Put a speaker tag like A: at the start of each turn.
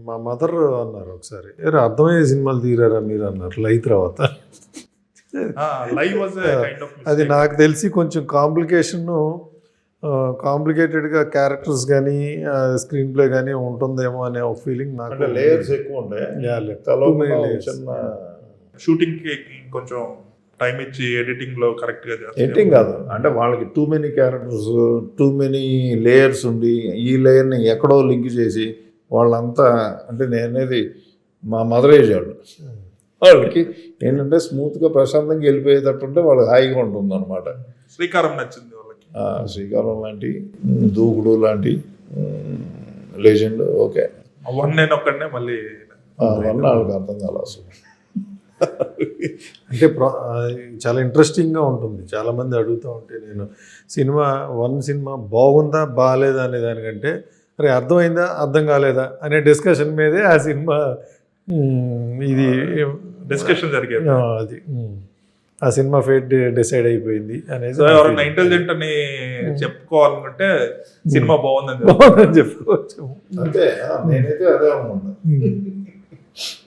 A: మా మదర్ అన్నారు ఒకసారి, "ఏరా అర్థమయ్యే సినిమాలు తీరారా మీరు" అన్నారు లై తర్వాత.
B: లైవ్ వాజ్ కైండ్ ఆఫ్
A: అది నాకు తెలిసి కొంచెం కాంప్లికేటెడ్గా క్యారెక్టర్స్ కానీ స్క్రీన్ ప్లే కానీ ఉంటుందేమో అనే ఒక ఫీలింగ్ నాకు.
C: అంటే లేయర్స్ ఎక్కువ ఉంటాయి, చిన్న
B: షూటింగ్ కి కొంచెం టైం ఇచ్చి ఎడిటింగ్ లో కరెక్ట్ గా
C: ఎడిటింగ్ కాదు, అంటే వాళ్ళకి too many characters, too many layers ఉండి ఈ లేయర్ని ఎక్కడో లింక్ చేసి వాళ్ళంతా, అంటే నేనేది మా మదర్ ఏజ్ వాళ్ళకి ఏంటంటే స్మూత్గా ప్రశాంతంగా వెళ్ళిపోయేటట్టుంటే వాళ్ళకి హాయిగా ఉంటుంది అనమాట.
B: శ్రీకారం నచ్చింది వాళ్ళకి,
C: శ్రీకారం లాంటి, దూకుడు లాంటి లెజెండ్. ఓకే,
B: నేను ఒక్కడనే మళ్ళీ
C: వాళ్ళకి అర్థం కాదు అసలు.
A: అంటే చాలా ఇంట్రెస్టింగ్గా ఉంటుంది. చాలామంది అడుగుతూ ఉంటే నేను సినిమా బాగుందా బాగాలేదా అనే దానికంటే అరే అర్థమైందా అర్థం కాలేదా అనే డిస్కషన్ మీదే ఆ సినిమా ఇది
B: డిస్కషన్ జరిగేది.
A: అది ఆ సినిమా ఫేట్ డిసైడ్ అయిపోయింది అనేది.
B: ఎవరైనా ఇంటెలిజెంట్ అని చెప్పుకోవాలనుకుంటే సినిమా బాగుందని
A: చెప్పుకోవచ్చు.
C: అంతే, నేనైతే అదే అనుకుంటా.